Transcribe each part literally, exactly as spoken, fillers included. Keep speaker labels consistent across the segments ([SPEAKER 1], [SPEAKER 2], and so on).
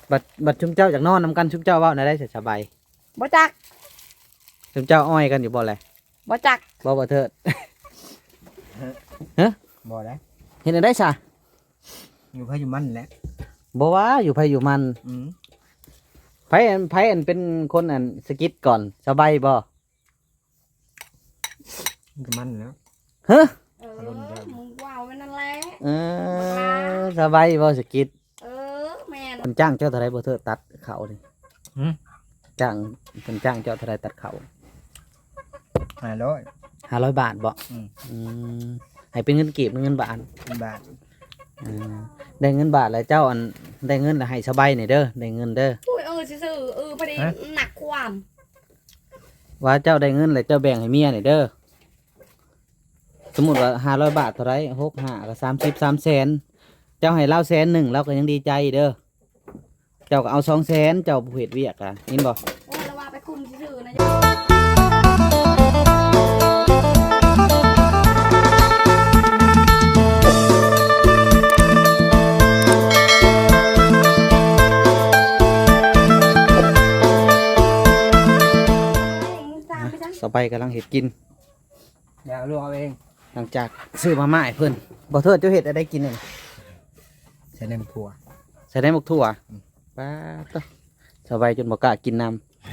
[SPEAKER 1] บัดบัดชุมเจ้าจากนอนนำกันชุมเจ้าเว้าน่ะได้สบาย
[SPEAKER 2] บ่จัก
[SPEAKER 1] ชุมเจ้าอ้อยกันอยู่บ่แหละ
[SPEAKER 2] บ่จัก
[SPEAKER 1] บ่บ่เถิดฮะ
[SPEAKER 3] บ่ได้
[SPEAKER 1] เห็นได้ซะ
[SPEAKER 3] อยู่ไผอยู่มันแหละ
[SPEAKER 1] บ่ว่าอยู่ไผอยู่มัน
[SPEAKER 3] อืม
[SPEAKER 1] ไผอันไผอันเป็นคนอันสกิดก่อนสบายบ่
[SPEAKER 3] ก็มันแล้ว
[SPEAKER 1] ฮะ
[SPEAKER 2] เออมึงว้าวมันนั่นแหละ
[SPEAKER 1] เออสบายบ่สกิด
[SPEAKER 2] เออแม่น
[SPEAKER 1] เพิ่นจ้างเจ้าเท่าไรบ่เถิดตัดเขานี่
[SPEAKER 3] หืม
[SPEAKER 1] จ้างเพิ่นจ้างเจ้าเท่าไรตัดเขา
[SPEAKER 3] ห้าร้อย
[SPEAKER 1] ห้าร้อยบาทบ่
[SPEAKER 3] อืม
[SPEAKER 1] อืมให้เป็นเงินกีบหรือเงินบาท
[SPEAKER 3] บาท
[SPEAKER 1] อ่าได้เงินบาทแล้วเจ้าอันได้เงินแล้วให้สบายนี่เด้อได้เงินเด้อ
[SPEAKER 2] อุ้ยเออซื่อๆเออพอดีหนักความ
[SPEAKER 1] ว่าเจ้าได้เงินแล้วเจ้าแบ่งให้เมียนี่เด้อสมมุติว่าห้าร้อยบาทเท่าไรหกห้าก็สามสิบสามแสนเจ้าให้เราแสนหนึ่งเราก็ยังดีใจเด้อเจ้าก็เอาสองแสนเจ้าผู้เฮ็ดเวียกอ่ะยินบ่
[SPEAKER 2] โอ้ยระว่าไปคุมซื่อๆนะ
[SPEAKER 1] สบายกำลังเฮ็ดกิน
[SPEAKER 3] อยากลูกเอาเอง
[SPEAKER 1] หลังจากซื้อมาม่าให้เพิ่นบ่เถิดเจ้าเฮ็ดอะไรกินนี่
[SPEAKER 3] ใส่ในถั่ว
[SPEAKER 1] ใส่ได้หมกถั่วป้าต้สบายจนบ่กล้ากินน้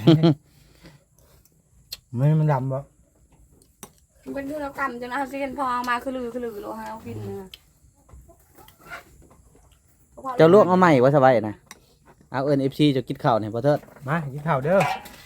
[SPEAKER 3] ำมันมันดำบ่
[SPEAKER 2] มันเป็นธุรกรรมจนเอาสิเห็นพอมาคือลือคือลือโลให้เอากินนะ
[SPEAKER 1] เจ้าลวกเอาใหม่ว่าสบายนะเอาเอิ้น เอฟ ซี จะกินข้าวนี่บ่เถิด
[SPEAKER 3] มากินข้าวเด้อ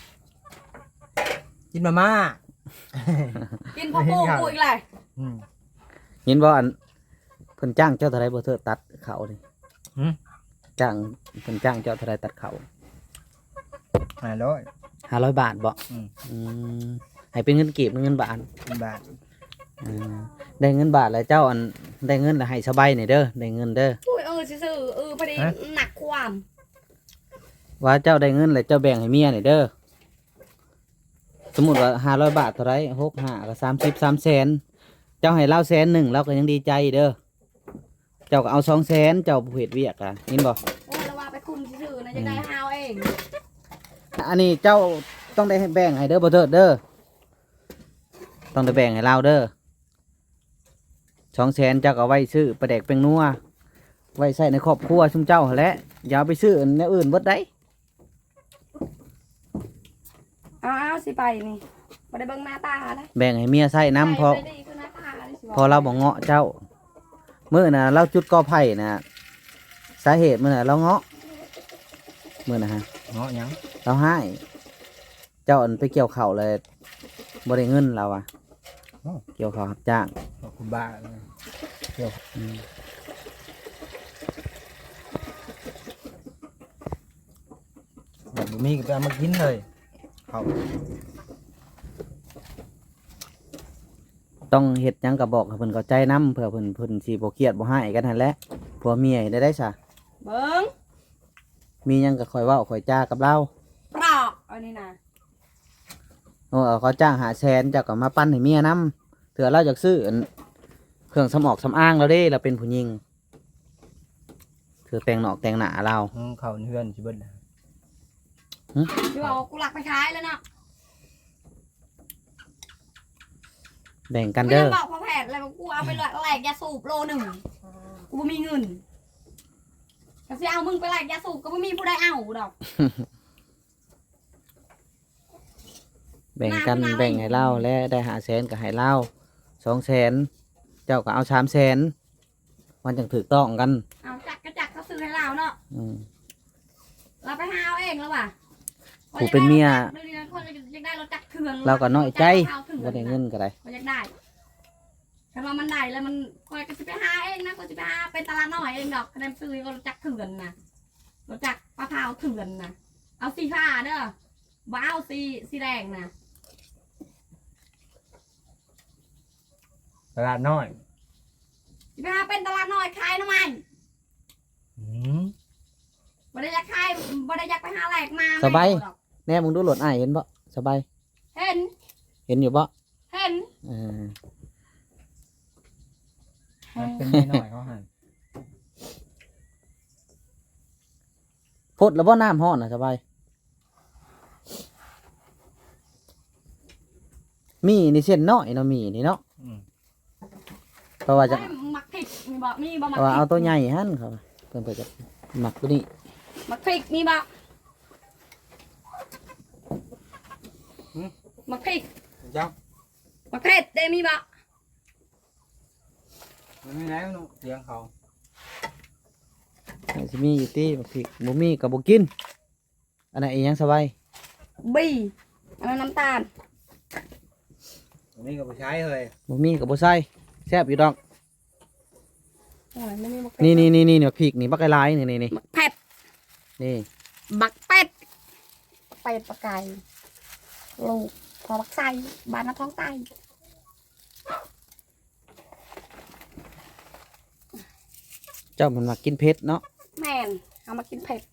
[SPEAKER 3] กินมาม่า
[SPEAKER 2] กินพ่อปูกูอีกเลย
[SPEAKER 3] อืม
[SPEAKER 1] เห็นบ่อันเพิ่นจ้างเจ้าเท่าไรบ่เถิดตัดเขานี่
[SPEAKER 3] หืม
[SPEAKER 1] จ้างเพิ่นจ้างเจ้าเท่าไรตัดเขา
[SPEAKER 3] ห้าร้อย
[SPEAKER 1] ห้าร้อยบาทบ่
[SPEAKER 3] อืม
[SPEAKER 1] อืมให้เป็นเงินกีบหรือเงินบาท
[SPEAKER 3] บาท
[SPEAKER 1] อ่าได้เงินบาทแล้วเจ้าอันได้เงินแล้วให้สบายนี่เด้อได้เงินเด้อ
[SPEAKER 2] อุ้ยเออซื่อๆเออพอดีหนักความ
[SPEAKER 1] ว่าเจ้าได้เงินแล้วเจ้าแบ่งให้เมียนี่เด้อสมมุติว่าห้าร้อยบาทเท่าไรหกห้าก็สามสิบสามแสนเจ้าให้เราแสนหนึ่งเราก็ยังดีใจเด้อเจ้าก็เอาสองแสนเจ้าผู้เฮ็ดเวียกอ่ะยินบ่
[SPEAKER 2] โอ้ยระว่าไปคุมซื่อๆนะจะได้หาวเอง
[SPEAKER 1] อันนี้เจ้าต้องได้แบ่งให้เด้อบ่เถิดเด้อต้องได้แบ่งให้เราเด้อสองแสนเจ้าก็ไว้ซื้อปลาแดกเป็นนัวไว้ใส่ในครอบครัวชุมเจ้าแหละอย่าไปซื้อแนวอื่นเบิดได้
[SPEAKER 2] เอาเอาสิไปนี่บ่ได้เบิ่งหน้าตาเลย
[SPEAKER 1] แบ่งให้เมียใส่น้ำพอพอเราบอกเงาะเจ้ามื้อน่ะเราจุดกอไผ่น่ะสาเหตุมื้อน่ะเราเงาะมื้อน่ะฮะ
[SPEAKER 3] เงาะยัง
[SPEAKER 1] เราให้เจ้าอันไปเกี่ยวข้าวเลยบ่ได้เงินเราอ่ะเกี่ยวข้าวรับจ้าง
[SPEAKER 3] ขอบคุณบ้าเกี่ยวแบบมีก็ไปเอามากินเลยเขา
[SPEAKER 1] ต้องเฮ็ดหยังก็บอกให้เพิ่นเข้าใจนำเพื่อเพิ่นเพิ่นสิบ่เครียดบ่ให้กันนั่นแหละผัวเมียได้ได้ซะ
[SPEAKER 2] เบิ่ง
[SPEAKER 1] มีหยังก็ค่อยเว้าค่อยจากับเรา
[SPEAKER 2] ปลอกอันนี้นะ
[SPEAKER 1] โอ้เขาจ้างหาแสนเจ้าก็มาปั้นให้เมียนำเถื่อเราอยากซื้อเครื่องสำออกสำอ้างเราเด้เราเป็นผู้หญิงคือแต่งหนอกแต่งหน้าเรา
[SPEAKER 3] เขาเฮือนสิเบิ่น
[SPEAKER 2] ที่ว่ากูหลักไปขายแล้วเนาะ
[SPEAKER 1] แบ่งกันเด้อ
[SPEAKER 2] บอกพ่อแพทย์อะไรกูเอาไปแหลกยาสูบโลหนึ่งกูไม่มีเงินก็จะเอามึงไปแหลกยาสูบก็ไม่มีผู้ใดเอาดอก
[SPEAKER 1] แบ่งกันแบ่งให้เล่าและได้หาแสนก็ให้เล่าสองแสนเจ้าก็เอาสามแสนมันจังถูกต้องกัน
[SPEAKER 2] เอาจักกระจักเขาซื้อให้เราเนาะเราไปหาเอาเองแล้วว่ะ
[SPEAKER 1] กูเป็นเมียเราก็น้อยใจ
[SPEAKER 2] ว่า
[SPEAKER 1] ได้เงินก็ได้
[SPEAKER 2] ก็อยากได้ถ้าว่ามันได้แล้วมันคอยก็จะไปหาเองนะก็จะไปหาเป็นตลาดน้อยเองดอกคะแนนซื้อก็รู้จักเถื่อนนะรู้จักปลาเผาเถื่อนนะเอาสีฟ้าเด้อบ้าเอาสีสีแดงนะ
[SPEAKER 3] ตลาดน้อย
[SPEAKER 2] จะไปหาเป็นตลาดน้อยขายทำไมบ่ได้อยากขายบ่ได้อยากไปหาแหลกมา
[SPEAKER 1] สบายแน่มึงดูหลดอ้ายเห็นบ่สบาย
[SPEAKER 2] เห็น
[SPEAKER 1] เห็นอยู่บ่
[SPEAKER 2] เห็น
[SPEAKER 1] เออ
[SPEAKER 3] เป็นไม่น้อยเขาหัน
[SPEAKER 1] พดแล้วบ่น้ำห้อนน่ะสบายมีนี่เส้นน้อยเนาะมีนี่เนาะ
[SPEAKER 3] อืม
[SPEAKER 1] เพราะว่าจะ
[SPEAKER 2] เฮ้ยมักพริกมีบ่มีบ่
[SPEAKER 1] เพ
[SPEAKER 2] มัก
[SPEAKER 1] ราะว่า
[SPEAKER 2] พริ
[SPEAKER 1] เอา
[SPEAKER 2] ก
[SPEAKER 1] ตัวใหญ่หั่นครับเพิ่นเพิ่นจะหมักตัวนี้
[SPEAKER 2] มักพริกมีบ่มักพริก
[SPEAKER 3] เจ้า
[SPEAKER 2] มักเผ็ดได้มีบ่
[SPEAKER 3] มันไม่แล้วนุเสียงเขา
[SPEAKER 1] สิมีอยู่ติบักพริกบ่มีก็บ่กินอันนั้นอีหยังสบาย
[SPEAKER 2] บีอันนั้นน้ำตาล
[SPEAKER 3] อันนี้ก็ไปใช้เลย
[SPEAKER 1] บ่มีก็บ่ใส่แซ่บอยู่ดอก
[SPEAKER 2] โอ้ยไม่มีมักเผ็ด
[SPEAKER 1] นี่นี่นี่นี่บักพริกนี่บักหลายๆนี่นี่นี่
[SPEAKER 2] มักเผ็ด
[SPEAKER 1] นี่
[SPEAKER 2] บักเป็ดเป็ดปลาไก่ลูกพอบักไส้บานน้ำท้องไต
[SPEAKER 1] เจ้ามันมักกินเผ็ดเนาะ
[SPEAKER 2] แม่นเอามากินเผ็ด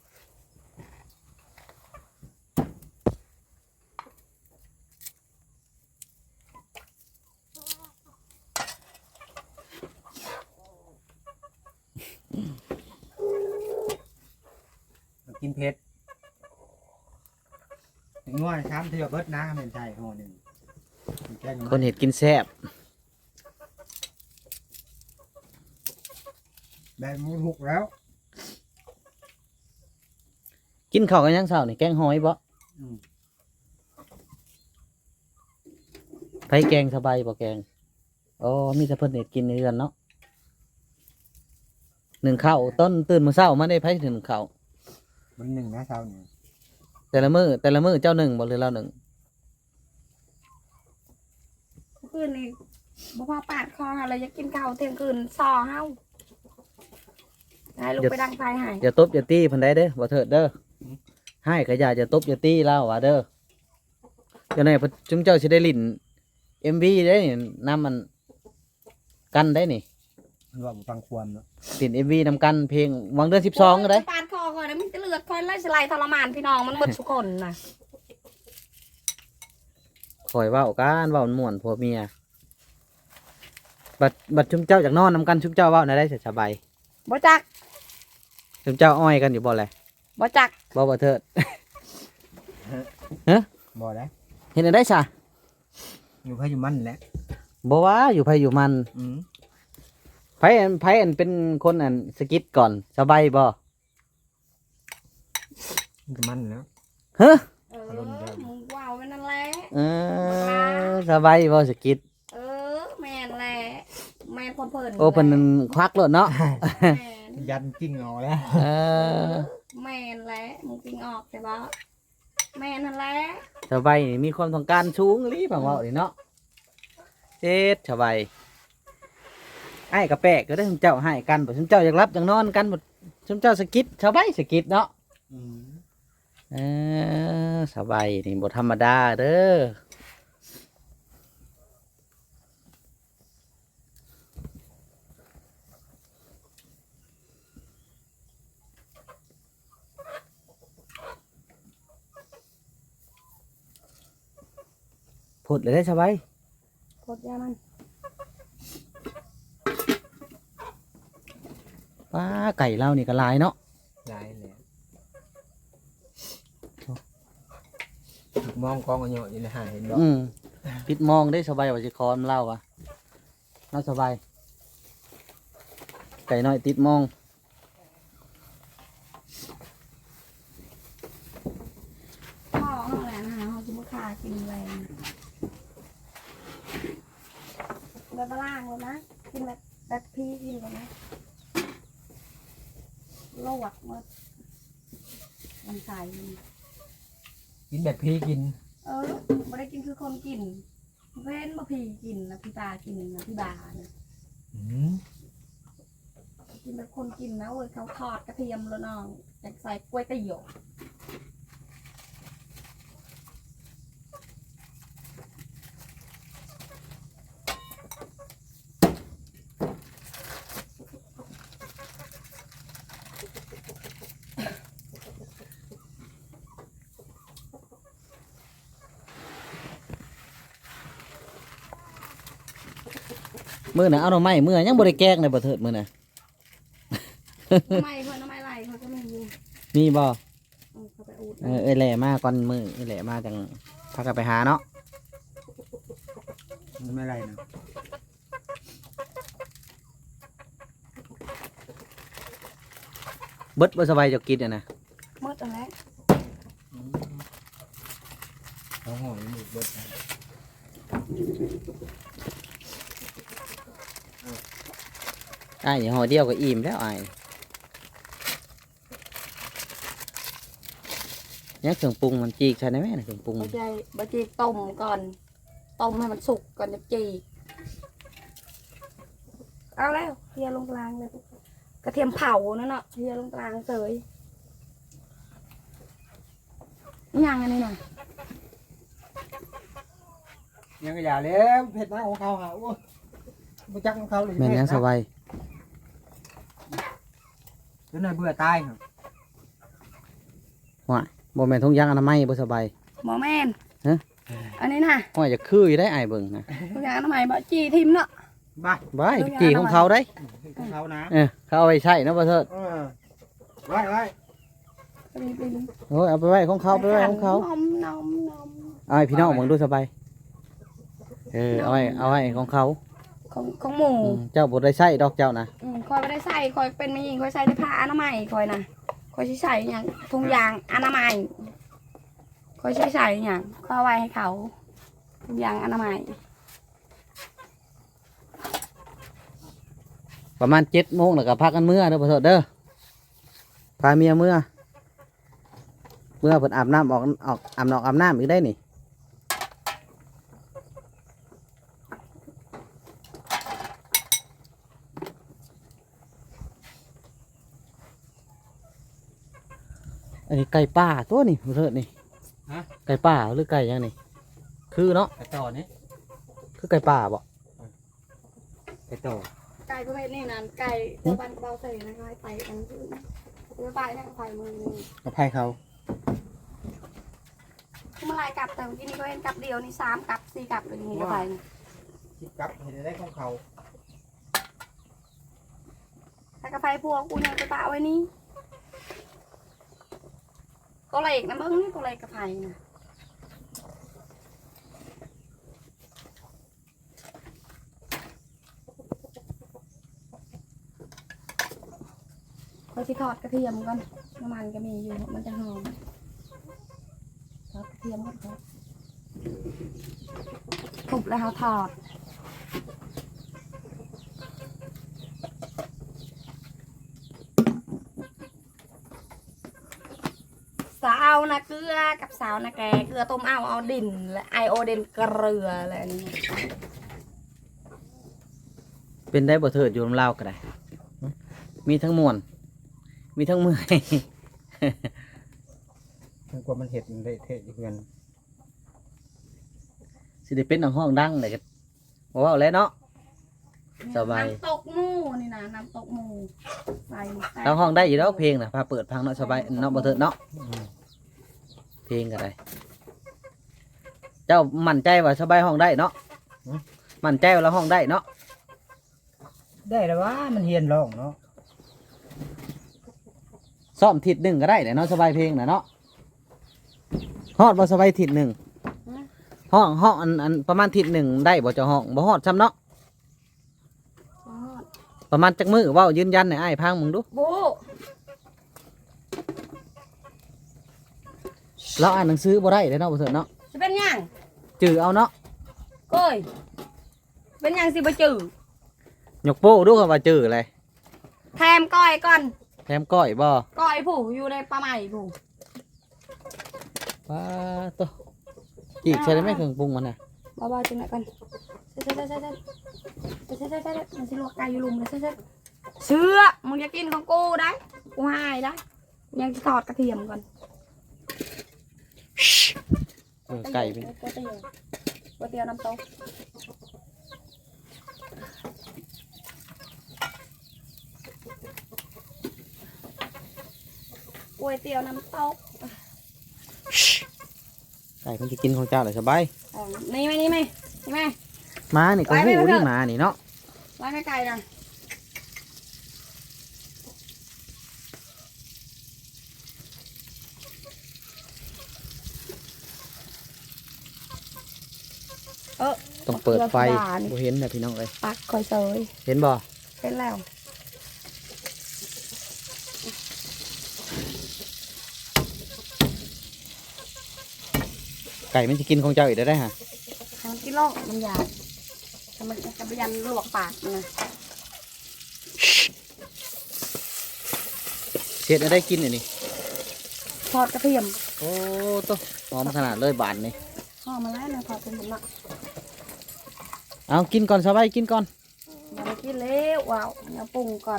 [SPEAKER 3] มันกินเผ็ดถึงว่าช้ำเที่ยวเบิดนะเป็นไทยห่อหนึ่งแกง
[SPEAKER 1] คนเห็ดกินแซ่บ
[SPEAKER 3] ได้หมูหุกแล้ว
[SPEAKER 1] กินข้าวกันยังเช้านี่แกงหอยบ่
[SPEAKER 3] อืม
[SPEAKER 1] ไผแกงสบายบ่แกงอ๋อมีแต่เพิ่นเห็ดกินในเรือนเนาะหนึ่งข้าวต้นตื่นมื้อเช้ามาได้ไผถึงข้าว
[SPEAKER 3] มันหนึ่งนะเช้าเนี่ย
[SPEAKER 1] แต่ละมื้อแต่ละมื้อเจ้าหนึ่งบ่หรือเราหนึ่ง
[SPEAKER 2] เมื่อคืนนี่บ่พอปาดคออะไรจะกินข้าวเที่ยงคืนซอเฮาให้ลูกไปดังไฟให้
[SPEAKER 1] อย่าตบอย่าตีเพิ่นได้เด้อบ่เถิดเด้อให้ก็อย่าจะตบอย่าตีเราว่าเด้อเดี๋ยวนี้เพิ่นจุมเจ้าสิได้ลิ้น เอ็ม วี ได้นี่นำมันกันได้นี่
[SPEAKER 3] มันว่าฟังความเนาะ
[SPEAKER 1] ติด เอ็ม วี นำกันเพลงวางเดือนสิบสองก็ได้
[SPEAKER 2] ปาดคอก่อนนะมันจะเลือดคอยไล่สไลด์ทรมานพี่น้องมันหมดทุกคนน่ะ
[SPEAKER 1] คอยเว้ากันเว้าม่วนผัวเมียบัดบัดชุมเจ้าจากนอนนำกันชุมเจ้าเว้าได้ได้สบาย
[SPEAKER 2] บ่จัก
[SPEAKER 1] ชุมเจ้าอ้อยกันอยู่บ่แหละ
[SPEAKER 2] บ่จัก
[SPEAKER 1] บ่บ่เถิด
[SPEAKER 3] บ่ได้
[SPEAKER 1] เห็นได้ซะ
[SPEAKER 3] อยู่พายุมันแหละ
[SPEAKER 1] บ่ว่าอยู่ไผอยู่มัน
[SPEAKER 3] อืม
[SPEAKER 1] ไผอันไผอันเป็นคนอันสกิดก่อนสบายบ่
[SPEAKER 3] มันก็มันแล้ว
[SPEAKER 1] เฮ้อ
[SPEAKER 2] เออมึงว้าวไปนั่นแหละ
[SPEAKER 1] เออสบายบ่สกิด
[SPEAKER 2] เออแม่นแหละแม่นคนเพิ่น
[SPEAKER 1] โอ้เพิ่นนั่นควักโลดเนาะ
[SPEAKER 2] แม่น
[SPEAKER 3] ยันกิ้งเอาแล้ว
[SPEAKER 1] เออ
[SPEAKER 2] แม่นแหละมึงกินออกใช่ปะแม่นนั่นแหละ
[SPEAKER 1] สบายนี่มีความต้องการสูงอีหลีผังเว้านี่เนาะเจ็ดสบายไอ้กระแปะก็ได้ชุมเจ้าให้กันบ่ชุมเจ้าอยากรับอยากนอนกันบ่ชุมเจ้าสกิดสบายสกิดเนาะ
[SPEAKER 3] อืม
[SPEAKER 1] เออสบายนี่บ่ธรรมดาเด้อพูดเลยได้สบาย
[SPEAKER 2] โคตรยามัน
[SPEAKER 1] ป้าไก่เรานี่ก็หลายเนาะ
[SPEAKER 3] ได้แล้วมองกองกันอยู่อยู่ในหาเห็นบ่
[SPEAKER 1] อืมปิดมองได้สบายว่าสิคอนเล่าอ่ะน่าสบาย ไก่น้อยติดมอง
[SPEAKER 2] พ่อเขาแหละนะคะเขาจะมาฆ่ากินแรงแบบล่างเลยนะกินแบบแบบพี่กินเลยนะโลวกหมดมันใส่
[SPEAKER 3] กินแบบพี่กิน
[SPEAKER 2] เออไม่ได้กินคือคนกินเว้นมาพี่กินนะพี่ตากินนะพี่บานะ
[SPEAKER 3] อืม
[SPEAKER 2] กินแบบคนกินนะเว้ยเขาทอดกระเทียมแล้วน้องอยากใส่กล้วยเตี๋ยว
[SPEAKER 1] มื้อน่ะเอาหน่อไม้มื้อยังบ่ได้แกงเลยบ่เถิดมื้อน่ะ
[SPEAKER 2] ไม่เพื่อนทำไมไรเขาก็ไม่รู้
[SPEAKER 1] มีบ่เออเอ้ยแหล่มาก่อนมือเอ้ยแหล่มาจังพากันไปหาเนาะ
[SPEAKER 3] มันไม่ไรนะ
[SPEAKER 1] เบิดบ่สบายจะกินอ่ะนะ
[SPEAKER 2] มืดแล้ว
[SPEAKER 3] เขาห่อยังหมดเบิดนะ
[SPEAKER 1] อ้ายห่อเดียวก็อิ่มแล้วอ้ายเนี่ยเครื่องปรุงมันจีกใช่ไหมแม่นะเครื่องปรุง
[SPEAKER 2] บะใจบะจีต้มก่อนต้มให้มันสุกก่อนจะจีเอาแล้วเทียลงกลางเลยกระเทียมเผานั่นเนาะเทียลงกลางเสยนี่ยังอันนี้น่ะ
[SPEAKER 3] ยังก็อย่าแล้วเผ็ดนะของเขาหาโอ้บุจักของเขาเลย
[SPEAKER 1] แม่นยังสบาย
[SPEAKER 3] จนนายเบื่อตายครับ
[SPEAKER 1] บ่แม่นทุ่งยางอนามัยบ่สบาย
[SPEAKER 2] หมอแม่น
[SPEAKER 1] ฮะ
[SPEAKER 2] อันนี้น่ะ
[SPEAKER 1] ห้อยจะคืออยู่ได้อ้ายเบิ่งนะ
[SPEAKER 2] ทุกอย่างทำไมบะจีทิมเนาะ
[SPEAKER 3] บ้า
[SPEAKER 1] บายจีของเขาได้
[SPEAKER 3] ของเขานะ
[SPEAKER 1] เออเขาเอาไปใช้นะบ่เถิด
[SPEAKER 3] เออไว้ไว้
[SPEAKER 2] ไปไปดู
[SPEAKER 1] โอ้ยเอาไปไว้ของเขาไปไว้ของเขา
[SPEAKER 2] นมนมนม
[SPEAKER 1] เอาให้พี่น้องเบิ่งดูสบายเออเอาไว้เอาไว้ของเขา
[SPEAKER 2] ของของหมู
[SPEAKER 1] อืมเจ้าบ่ได้ใช้ดอกเจ้านะ
[SPEAKER 2] อืมคอยไม่ได้ใส่คอยเป็นไม่ยิงคอยใส่ได้ผ้าอนามัยคอยนะคอยใช้ใส่อย่างทุงยางอนามัยคอยใช้ใส่อย่างคอยเอาไว้ให้เขาทุงยางอนามัย
[SPEAKER 1] ประมาณเจ็ดโมงแล้วก็พักกันเมื่อเด้อบ่เถิดเด้อพาเมียเมื่อเมื่อเพิ่นอาบน้ำออกออกอาบน้ำอาบน้ำอีกได้นี่อันนี้ไก่ป่าตัวนี่บ่เถิดนี่
[SPEAKER 3] ฮะ
[SPEAKER 1] ไก่ป่าหรือไก่ยังนี่คือเนาะ
[SPEAKER 3] ไปต่อนี่
[SPEAKER 1] คือไก่ป่าบ่
[SPEAKER 3] ไปต่อ
[SPEAKER 2] ไก่ประเภทนี้นะไก่เจ้าบันเบาใส่นะคะไปกันคือเจ้าไปเนี่ยไปมือนี่
[SPEAKER 3] เอาไพ่เขา
[SPEAKER 2] เมื่อไรกลับแต่เมื่อกี้นี่ก็เห็นกลับเดียวนี่สามกลับสี่กลับเลยนี่ก็ไปนี่
[SPEAKER 3] คิดกลับเห็นได้ของเขา
[SPEAKER 2] ถ้ากระไฟพวกกูยังไปปะไว้นี่ตัวเล็กนะเบิ้งนี่ตัวเล็กกระไฟนะเราจะทอดกระเทียมก่อนน้ำมันก็มีอยู่มันจะหอมทอดกระเทียมก่อนครับทุบแล้วเขาทอดสาวนะเกลือกับสาวนะแกเกลือต้มเอาเอาดินและไอโอเดนเกลืออะไรนี่
[SPEAKER 1] เป็นได้บ่เถิดอยู่ลำลาวก็ได้มีทั้งมวนมีทั้งเมื่อย
[SPEAKER 3] มันกว่ามันเห็ดมันเละเทะอยู่เพื่อน
[SPEAKER 1] สิได้เป็นน้ำห้องดังเลยก็บอกว่าแล้วเนาะ สบาย
[SPEAKER 2] น้ำตกหมูนี่นะน้ำตกหมูใส่แป้ง
[SPEAKER 1] เราห้องได้อยู่แล้วเพลงนะพาเปิดพังเนาะสบายเนาะบ่เถิดเนาะเพลงก็ได้ เจ้ามั่นใจว่าสบายห้องได้เนาะมั่นใจว่าเราห้องได้เนาะ
[SPEAKER 3] ได้แล้วว่ามันเฮียนร้องเนาะ
[SPEAKER 1] ซ้อมทิศหนึ่งก็ได้เนาะสบายเพลงนะเนาะฮอดบ่สบายทิศหนึ่งห้องห้องอันอันประมาณทิศหนึ่งได้บ่เจ้าห้องบ่ฮอดซ้ำเนาะประมาณจักมือเว้ายืนยันให้อ้ายพังมึงดู
[SPEAKER 2] บู
[SPEAKER 1] เราอ่านหนังสือบ่ได้เลยเนาะบ่เถิดเนาะ
[SPEAKER 2] จะเป็นหยัง
[SPEAKER 1] จือเอาเนาะ
[SPEAKER 2] เอ้ยเป็นหยังสิบจือย
[SPEAKER 1] กโป้ดูคำว่าจืออะไร
[SPEAKER 2] แถมก้อยก่อน
[SPEAKER 1] แถมก้อยบ่
[SPEAKER 2] ก้อยผู้อยู่ในปลาใหม่ผู้
[SPEAKER 1] ป้าตัวอีกใช่ไหมเครื่องปรุงมันน่ะ
[SPEAKER 2] บ้าๆจังไหนก่อนเซ็ตเซ็ตเซ็ตเซ็ตเซ็ตเซ็ตเซ็ตมันสิลวกไก่อยู่ลุมเลยเซ็ตเซ็ตเชื่อมึงจะกินของกูได้กูให้ได้ยังจะทอดกระเทียมก่อน
[SPEAKER 1] เออไก่เป็น
[SPEAKER 2] ก๋วยเตี๋ยวก๋วยเตี๋ยวน้ำตกก๋วยเตี๋ยวน้ำตก
[SPEAKER 1] ไก่มันจะกินของเจ้าเลยสบาย
[SPEAKER 2] อ๋อนี่ไหมนี่ไหมนี่ไหม
[SPEAKER 1] หมานี่ก็
[SPEAKER 2] ไว้ไม่
[SPEAKER 1] หู
[SPEAKER 2] ไปเถ
[SPEAKER 1] นี่
[SPEAKER 2] อะ
[SPEAKER 1] หมานี่เนาะ
[SPEAKER 2] ไว้ไม่ไกลนะออ
[SPEAKER 1] ต้องเปิดไฟ
[SPEAKER 2] เกลือธรรมดานี่
[SPEAKER 1] บ่เห็นนะพี่น้องเอ้ย
[SPEAKER 2] ปักคอยเซย
[SPEAKER 1] เห็นบ่
[SPEAKER 2] เป็นแล้ว
[SPEAKER 1] ไก่มันจะกินของเจ้าอีกได้ได้ฮะ
[SPEAKER 2] ทำกินโลกมันยาทำมันจะไปยันลวกปากมันนะ
[SPEAKER 1] เฮ็ดให้ได้กินอันนี้
[SPEAKER 2] ทอดกระเทียม
[SPEAKER 1] โอ้โตหอมขนาดเลยบานนี่
[SPEAKER 2] ห่อมาแล้วนะทอดเป็นหมดละ
[SPEAKER 1] เอากินก่อนสบายกินก่อน
[SPEAKER 2] อย่าไปกินเล้วว้าวเดี๋ยวปรุงก่อน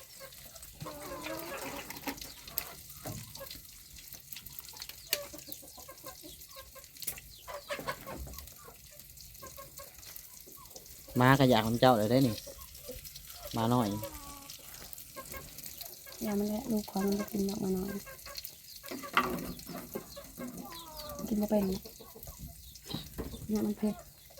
[SPEAKER 1] มาก็อยากของเจ้าเลยได้นี่มาหน่อย
[SPEAKER 2] อย่ามันแหละลูกของมันจะกินออกมาหน่อยกินมาเป็นเนี่ยมันเผ็ด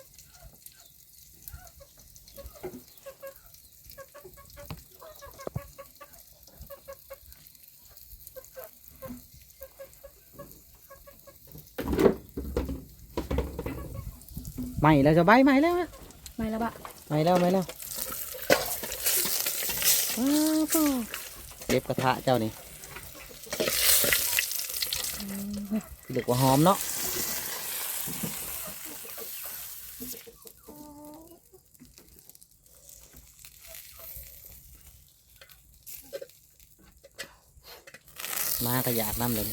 [SPEAKER 1] ใหม่แล้วสบายใหม่แล้วนะ
[SPEAKER 2] ไม่แล้วบะ
[SPEAKER 1] ใหม่แล้วใหม่แล้วว้าวพ่อเล็บกระทะเจ้านี่เด็กว่าหอมเนาะมาก็อยากน้ำเลย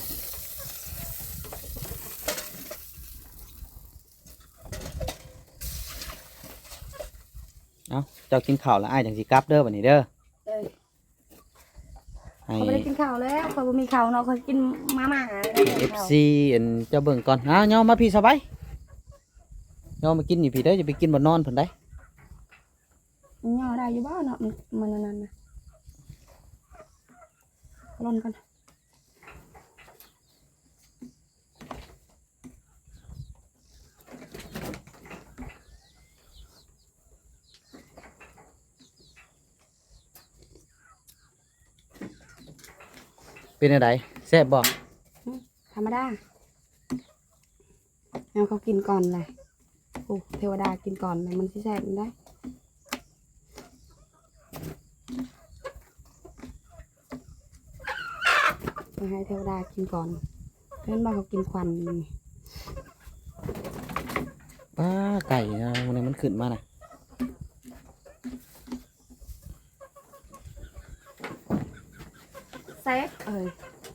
[SPEAKER 1] เอาเจ้ากินข้าวแล้วอ้ายจังสิกลับเด้อบัดนี้เด้อ
[SPEAKER 2] เอ้ย
[SPEAKER 1] ให้
[SPEAKER 2] เขาไม่ได้กินข้าวแล้วเขาบ่มีข้าวเนาะเขากินมาม่า
[SPEAKER 1] เอฟซีอันเจ้าเบิ่งก่อนอ้าวย่อมาพี่สบายย่อมากินอยู่พี่เด้อจะไปกินบ่นอนเพิ่นได้
[SPEAKER 2] ย่อได้อยู่บ้านเนาะมันมันนั่นนะร่อนกัน
[SPEAKER 1] เป็นอะไรแซ่บบ่
[SPEAKER 2] ธรรมดาเอาเขากินก่อนเลยโอ้เทวดากินก่อนเลยมันสิแซ่บมันได้มาให้เทวดากินก่อนเพื่อนบ้านเขากินควันนี่
[SPEAKER 1] ป้าไก่นะมันมันขึ้นมาน่ะ
[SPEAKER 2] เซฟเอ้ย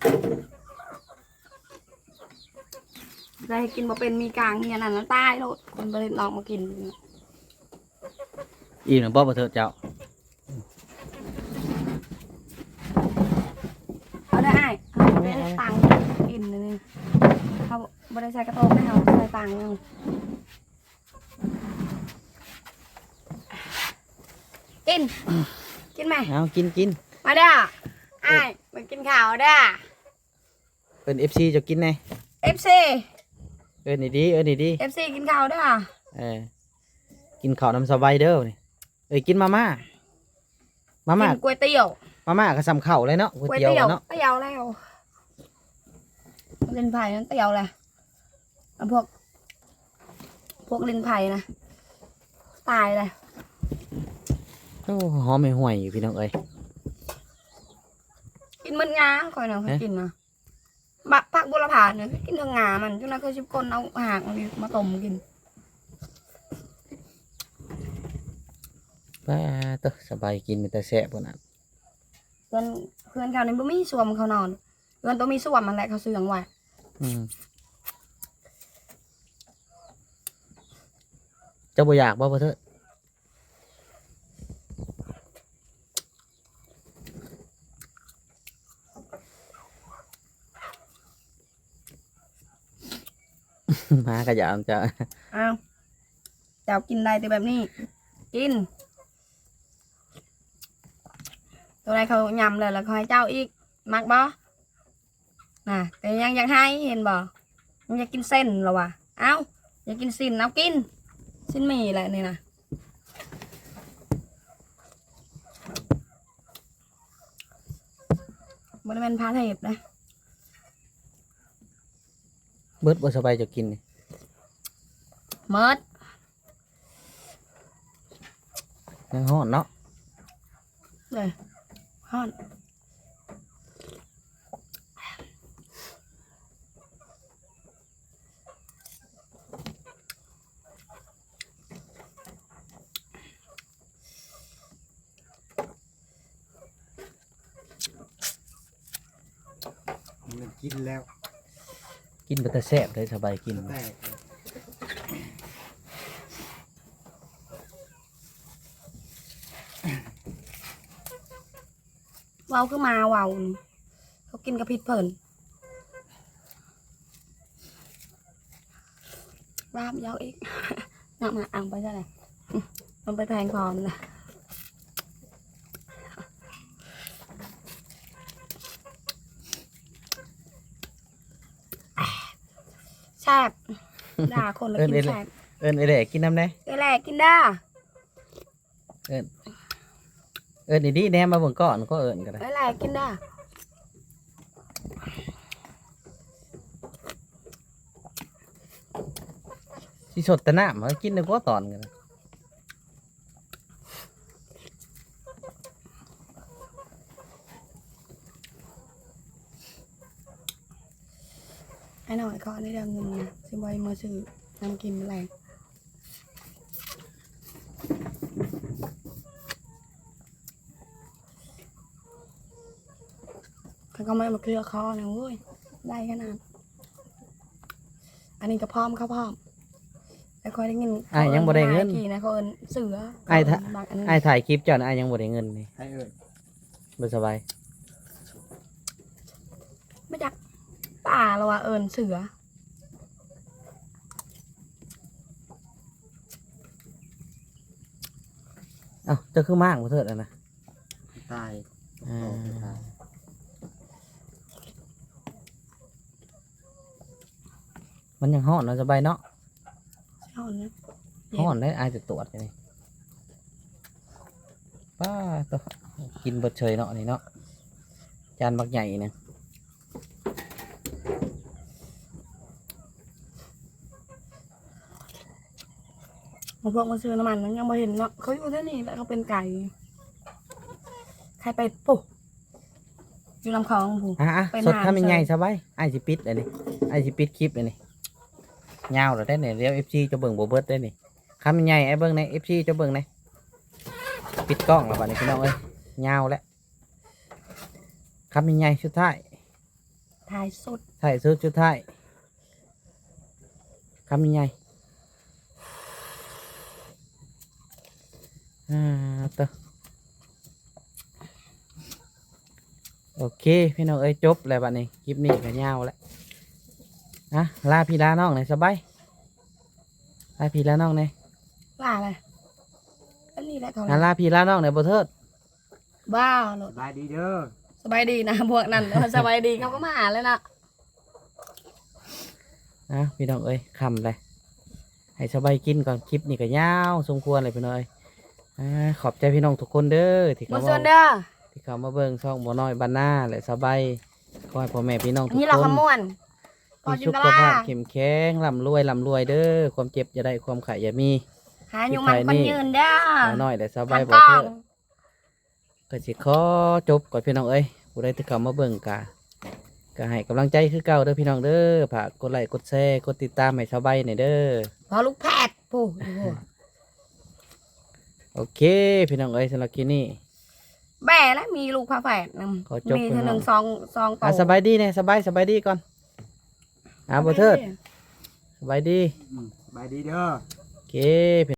[SPEAKER 2] ได้กินมาเป็นมีกลางเงียนั่นแล้วตายโลดคนไปลองมากิน
[SPEAKER 1] อีกหนึ่งบ่บ่เถิดเจ้า
[SPEAKER 2] เอาได้เอาได้ตังค์กินเลยเขาบริษัทกระโตกให้เขาใส่ตังค์เอากิน กินไหม
[SPEAKER 1] เอากินกิน
[SPEAKER 2] มาเด้อไอ้ายมากินข้าวเด้อ
[SPEAKER 1] เป็นเอฟซีจะกินไง
[SPEAKER 2] เอฟซี
[SPEAKER 1] เอิ้นนี่ดีเอิ้นนี่ดี
[SPEAKER 2] เอฟซีกินข้าวเด้อ
[SPEAKER 1] เออกินข้าวน้ำสบายเด้อนี่เอ้ยกินมาม่ามาม่า
[SPEAKER 2] กินก๋วยเตี๋ยว
[SPEAKER 1] มาม่าก็ซ้ำข้าวเลยเนาะก๋วย
[SPEAKER 2] ก๋วย
[SPEAKER 1] เตี๋ยว
[SPEAKER 2] เตี๋ยว
[SPEAKER 1] อะเนาะ
[SPEAKER 2] เตี๋ยวแล้วลินไผ่นั้นเตี๋ยวแหละเอาพวก พวกลินไผ่นะตายเลย
[SPEAKER 1] โอ้หอมไม่ห่วยอยู่พี่น้องเอ้ย
[SPEAKER 2] กินมันงาคอยเนาะเคยกินมาบักผักบุรพาเนี่ยกินทั้งงามันจนนั้นเคยชิบคนเอาหางมันมาต้มกิน
[SPEAKER 1] ป้าเต้อสบายกินแต่แซ่บกว่านั้น
[SPEAKER 2] เพื่อนเพื่อนเขาในบ่มีสวมเขานอนเพื่อนต้องมีสวมมันแหละเขาเสื่องไว้
[SPEAKER 1] อืมเจ้าบ่อยากบ่บ่เถิด มาก็อยากจะ
[SPEAKER 2] อ้าวเจ้ากินได้แต่แบบนี้ กิน ตัวไหนเขายำเลยแล้วเขาให้เจ้าอีก มักบ่น่ะแต่ยังอยากให้เห็นบ่ยังอยากกินเส้นเหรอวะเอ้าอยากกินสิ้นเอากินสิ้นหมี่แหละนี่นะบริเวณพาเทพนะ
[SPEAKER 1] เบิดบ่สบายจะกินนี่
[SPEAKER 2] เมิด
[SPEAKER 1] ยังฮ้อนเนาะ
[SPEAKER 2] เลยฮ้อน
[SPEAKER 3] มันกินแล้ว
[SPEAKER 1] กินไปแต่แซ่บเลยสบายกิน
[SPEAKER 3] แตก
[SPEAKER 2] เว้าคือมาเว้าเขากินกระพิดเพิ่นรามยาวอีก นำมาอ่างไปซะเลยมันไปแพงพอมนะแซ่บด่าคนแล้วกินแซ่บ
[SPEAKER 1] เอิ้นไอ้แหล่กินน้ำได้
[SPEAKER 2] เอแหละกินได้
[SPEAKER 1] เอิ้นเอิ้นดีๆแหน่มาเบิ่งก่อนก็เอิ้นก็ได้
[SPEAKER 2] เอแหละกินได้
[SPEAKER 1] สิสดแต่น้ำมากินได้กว่าตอนกันนะ
[SPEAKER 2] ไอ้หน่อยก็ได้เงินนะซื้อใบมาซื้อน้ำกินอะไรเขาก็ไม่มาเคลียร์คอนะเว้ยได้ขนาดอันนี้ก็พร้อมเขาพร้อมแต่คอยได้เงิน
[SPEAKER 1] อ้ายยังบ่ได้เงิน
[SPEAKER 2] ขี่นะเขาเอินเสือ
[SPEAKER 1] อ้ายถ้า
[SPEAKER 2] บางอัน
[SPEAKER 1] อ้ายถ่ายคลิปเจ้าน่ะอ้ายยังบ่ได้เงินนี่
[SPEAKER 3] ให้เอิญ
[SPEAKER 1] บ่สบาย
[SPEAKER 2] ไม่จักป่าเราอะเอินเสือ
[SPEAKER 1] เอ้าเจ้าคือมากบ่เถิดอ่ะนะ
[SPEAKER 3] ตาย
[SPEAKER 1] อ่า
[SPEAKER 3] ออกไปตาย
[SPEAKER 1] มันยังฮ้อนเนาะสบายเนาะ
[SPEAKER 2] เช่านะ
[SPEAKER 1] ฮ้อนได้อ้ายจะตรวจกันนี่ป้าตัวกินเบิดเฉยเนาะนี่เนาะจานบักใหญ่เนี่ย
[SPEAKER 2] มาพวกมาซื้อน้ำมันนั้นยังไม่เห็นเนาะเขาอยู่ที่นี่แล้วเขาเป็นไก่ใครไปปุ๊อยู่ลำคลองผู้
[SPEAKER 1] อ่ะอ่ะ
[SPEAKER 2] ไป
[SPEAKER 1] สด
[SPEAKER 2] นาน
[SPEAKER 1] ทำยังไง
[SPEAKER 2] เชิญ
[SPEAKER 1] สบายอ้ายสิปิดอันนี้อ้ายสิปิดคลิปอันนี้ยาวแล้วได้เนี่ยเดี๋ยว เอฟ ซี จะเบิ่งบ่เบิดได้นี่คำยังไงไอ้เบิ่งใน เอฟ ซี จะเบิ่งในปิดกล้องแล้วบัดนี้พี่น้องเอ้ยยาวแล้วคำยังไงสุดท้าย
[SPEAKER 2] ถ่ายสด
[SPEAKER 1] ถ่ายสุดสุดท้ายคำยังไงอ่าต่อโอเคพี่น้องเอ้ยจบแล้วบัดนี้คลิปนี้ก็ยาวแล้วนะลาพี่ลาน้องหน่อยสบายลาพี่ลาน้องหน่อย
[SPEAKER 2] ว่าอะไรอันนี้แหละเขา
[SPEAKER 1] อ่ะลาพี่ลาน้องหน่อยบ่เทิด
[SPEAKER 2] บ้าเหรอ
[SPEAKER 3] สบายดีเด้อ
[SPEAKER 2] สบายดีนะพวกนั้นเออสบายดีเขาก็มาหาเลยนะ
[SPEAKER 1] นะพี่น้องเอ้ยคำเลยให้สบายกินก่อนคลิปนี้ก็ยาวสมควรเลยพี่น้องเอ้ยอ่าขอบใจพี่น้องทุกคนเด้อที่
[SPEAKER 2] มา
[SPEAKER 1] เขา
[SPEAKER 2] ส่วน
[SPEAKER 1] มา
[SPEAKER 2] เด้อ
[SPEAKER 1] ที่เขามาเบิ่งช่องบ่น้อยบ้านนาและสบายขอให้พ่อแม่พี่น้องทุก
[SPEAKER 2] นี่เรา
[SPEAKER 1] คน
[SPEAKER 2] ขมวนพอ
[SPEAKER 1] มี
[SPEAKER 2] จิน
[SPEAKER 1] สุ
[SPEAKER 2] ต
[SPEAKER 1] ข
[SPEAKER 2] ลา
[SPEAKER 1] ภาพเข้มแข็งร่ำรวยร่ำรวยเด้อความเจ็บอย่าได้ความไข่อย่ามี
[SPEAKER 2] หาอยู่มันคนยืนเด้อ
[SPEAKER 1] บ่น้อยและสบาย
[SPEAKER 2] ทำ
[SPEAKER 1] บ่
[SPEAKER 2] กล้อ
[SPEAKER 1] เทิ
[SPEAKER 2] ง
[SPEAKER 1] ดก็สิขอจบก่อนพี่น้องเอ้ยผู้ใดที่เขามาเบิ่งกะก็ให้กำลังใจคือเก่าเด้อพี่น้องเด้อฝากกดไลค์กดแชร์กดติดตามให้สบายหน่อยเด้อ
[SPEAKER 2] พอลูกแพทย์ผู้โอ้โห
[SPEAKER 1] โอเค พี่น้องเอ้ยสำหรับคลิปนี้
[SPEAKER 2] แบ่แล้วมีลูกพาแฝดน
[SPEAKER 1] ขอจบ
[SPEAKER 2] ำมี
[SPEAKER 1] ไป
[SPEAKER 2] เธอหนึ่ง
[SPEAKER 1] เนาะ
[SPEAKER 2] ซองซองโต
[SPEAKER 1] อ่ะสบายดีเนี่ยสบายสบายดีก่อนอ่ะบ่เทิดสบายดี
[SPEAKER 3] อืมสบายดีเด้อ
[SPEAKER 1] โอเค